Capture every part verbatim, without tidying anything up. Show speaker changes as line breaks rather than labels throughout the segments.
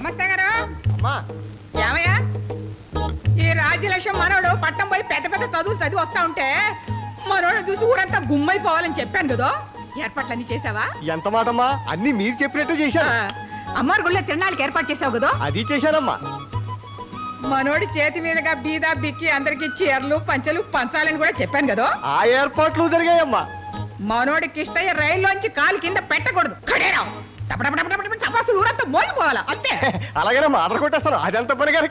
గుమస్తా గారు ఏమయ్యా ఈ రాజ్యలక్ష్మి మనోడు పట్టం పోయి పెద్ద పెద్ద చదువులు చదివి వస్తా ఉంటే మనోడు చూసి ఊరంతా గుమ్మైపోవాలని చెప్పాను కదా ఏర్పాట్లన్నీ చేసావా?
ఎంత మాటమ్మా, అన్ని మీరు చెప్పినట్టు చేశాను.
అమ్మారు గుళ్ళో తిరణాలకి ఏర్పాటు చేసావు కదా?
అది చేశానమ్మా.
మనోడి చేతి మీదుగా బీదా బిక్కి అందరికి చీరలు పంచలు పంచాలని కూడా చెప్పాను కదా?
ఆ ఏర్పాట్లు జరిగాయమ్మా.
మనోడి కిష్టయ్య రైల్లోంచి కాలు కింద పెట్టకూడదు. కడేరావు టపాసులు ఊరంతా మోగిపోవాలా అంతే.
అలాగేనమ్మా, ఆర్డర్ కొట్టేస్తాను. అదంత పని కనుక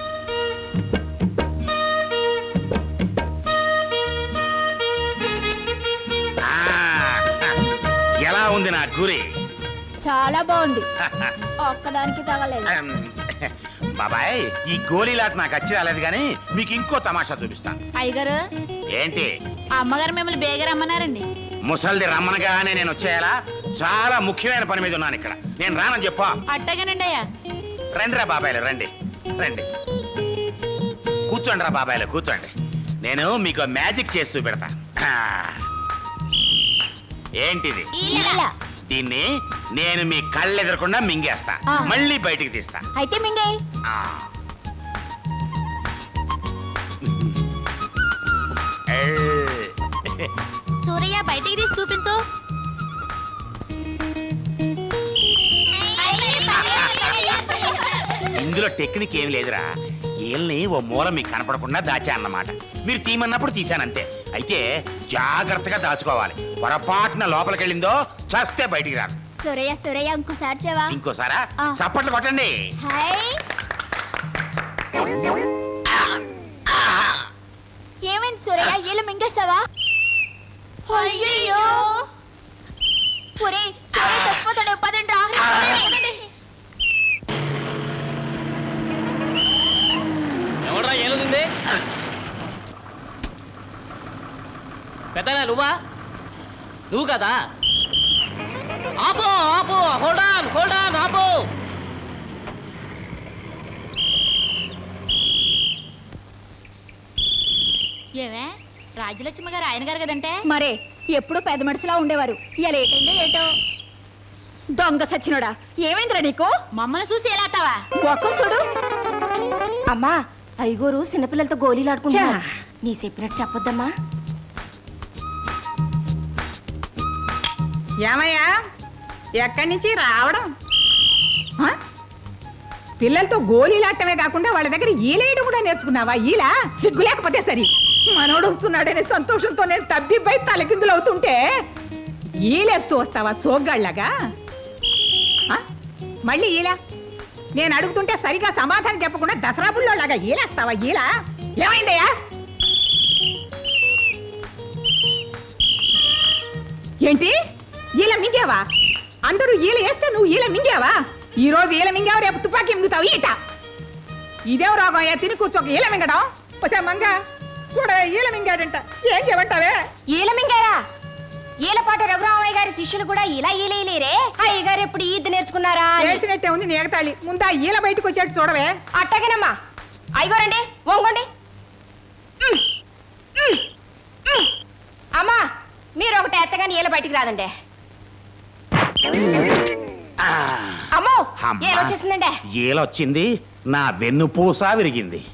ఎలా ఉంది నా గురి?
చాలా బాగుంది. ఒక్కదానికి తగలేదు.
బాబాయ్, ఈ గోళీలాట నాకు వచ్చి రాలేదు కానీ మీకు ఇంకో తమాషా చూపిస్తాను.
అయ్యగారు
ఏంటి?
అమ్మగారు మిమ్మల్ని బేగ రమ్మన్నారండి.
ముసల్ది రమ్మనగానే నేను వచ్చేయాలా? చాలా ముఖ్యమైన పని మీద ఉన్నాను ఇక్కడ. నేను రానని చెప్పా.
అట్టగానండి అయ్యా.
రండి రా బాబాయ్లు, రండి రండి కూర్చోండి రా బాబాయ్లు, కూర్చోండి. నేను మీకు మ్యాజిక్ చేసి చూపెడతా. ఏంటిది? దీన్ని నేను మీ కళ్ళు ఎదురకుండా మింగేస్తా, మళ్ళీ బయటికి తీస్తా.
అయితే మింగే. సూరయ్య బయటికి తీసి చూపించు.
ఇందులో టెక్నిక్ ఏమి లేదురా. ఏల్ని ఓ మూల మీకు కనపడకుండా దాచా అన్నమాట. మీరు తీమన్నప్పుడు తీశానంతే. అయితే జాగ్రత్తగా దాచుకోవాలి. పొరపాటున లోపలికి వెళ్ళిందో చస్తే బయటికి రాదు.
సూరయ్య సూరయ్య ఇంకోసారి చెవా.
ఇంకోసారా? చప్పట్లు కొట్టండి.
ఏమైంది సూరయ్య? ఏళ్ళు మింగేసావా? అయ్యో చచ్చిపోతాడు. పదండి రా.
ఎవడ్రా ఏలుంది? పెద్దగా నువ్వా? నువ్వు కదా? ఆపో ఆపో, హోల్డ్ ఆన్ హోల్డ్ ఆన్, ఆపో.
ఏమే రాజ్యలక్ష్మి గారు ఆయన గారు కదంటే?
మరే ఎప్పుడు పెద్ద మనుషులా ఉండేవారు. ఇలా ఏటండి ఏటో దొంగ సచ్చినోడా. ఏమైందిరా నీకు?
మమ్మల్ని చూసి ఎలా అత్తావా?
ఒక్క చూడు.
అమ్మా, ఐగోరు చిన్నపిల్లలతో గోళీలు ఆడుకుంటున్నారు. నీ చెప్పినట్టు చెప్పొద్దమ్మా.
ఏమయ్యా ఎక్కడి నుంచి రావడం? పిల్లలతో గోళీలాటమే కాకుండా వాళ్ళ దగ్గర ఈలేయడం కూడా నేర్చుకున్నావా? ఈలా సిగ్గు లేకపోతే సరి. మనోడు వస్తున్నాడనే సంతోషంతో నేను తబ్బిబ్బై తలకిందులు అవుతుంటే ఈలేస్తూ వస్తావా సోగ్గాళ్ళగా? మళ్ళీ ఈలా నేను అడుగుతుంటే సరిగా సమాధానం చెప్పకుండా దసరా బుల్లోలాగా ఈలేస్తావా? ఈలా ఏమైందయ్యా? ఏంటి ఈల మింగావా? అందరూ ఈల వేస్తే నువ్వు ఈల మింగావా? ఈ రోజు ఈల మింగావు, రేపు తుపాకీ మింగుతావు. ఈట ఇదేం రోగం అయ్యా? తిని కూర్చోక ఈల మింగడం. వచ్చా మంగ చూడ ఈల మింగాడంట. ఏం చేయమంటావే?
ఈల మింగారా? ఈలపాటి రఘురామయ్య గారి శిష్యులు కూడా ఇలా ఈలేరే. అయ్య గారు ఎప్పుడు ఈద్దు నేర్చుకున్నారా?
నేర్చినట్టే ఉంది నేగతాళి. ముందా ఈల బయటకు వచ్చేట్టు చూడవే.
అట్టగేనమ్మా. అయ్యగారండి వంగండి. అమ్మా, మీరు ఒకటి ఎత్తగాని ఈల బయటికి రాదండి. అమ్మో, ఏలొచ్చేసిందండి.
ఏలొచ్చింది, నా వెన్నుపూస విరిగింది.